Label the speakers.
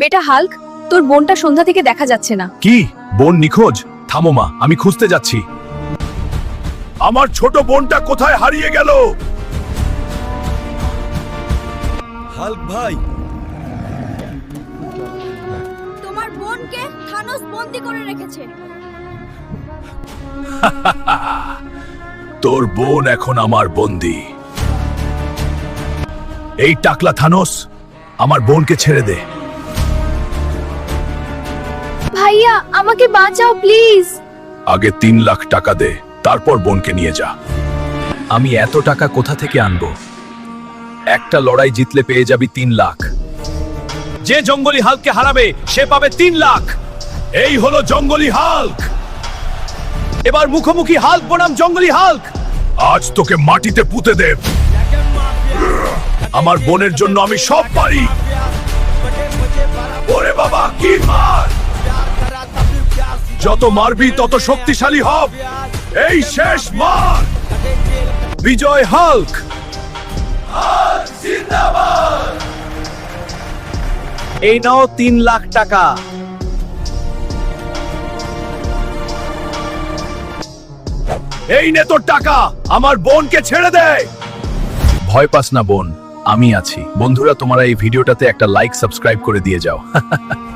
Speaker 1: বেটা হাল্ক, তোর বোনটা সন্ধ্যা থেকে দেখা যাচ্ছে না।
Speaker 2: কি বোন নিখোঁজ? থামো মা, আমি খুঁজতে যাচ্ছি। আমার ছোট বোনটা কোথায় হারিয়ে গেল?
Speaker 3: হাল্ক ভাই,
Speaker 1: তোমার বোনকে থানোস বন্দি করে রেখেছে।
Speaker 2: তোর বোন এখন আমার বন্দী। এই টাকলা থানোস, আমার বোনকে ছেড়ে দে।
Speaker 1: ভাইয়া, আমাকে বাঁচাও প্লিজ।
Speaker 2: আগে 3 লাখ টাকা দে, তারপর বোনকে নিয়ে যা। আমি এত টাকা কোথা থেকে আনবো? একটা লড়াই জিতলে পেয়ে যাবি 3 লাখ। যে জঙ্গলি হাল্ককে হারাবে সে পাবে 3 লাখ। এই হলো জঙ্গলি হাল্ক। এবার মুখোমুখি হাল্ক বনাম জঙ্গলি হাল্ক। আজ তোকে মাটিতে পুঁতে দেব। আমার বোনের জন্য আমি সব পারি। ওরে বাবা, কি মার! যত মারবি তত শক্তিশালী হব। এই শেষ মার। বিজয় হাল্ক। হাল্ক জিন্দাবাদ।
Speaker 3: এই নাও 3 লাখ টাকা।
Speaker 2: এই নে তোর টাকা, আমার বোনকে ছেড়ে দে। ভয় পাস না বোন, আমি আছি। বন্ধুরা, তোমরা এই ভিডিওটাতে একটা লাইক সাবস্ক্রাইব করে দিয়ে যাও।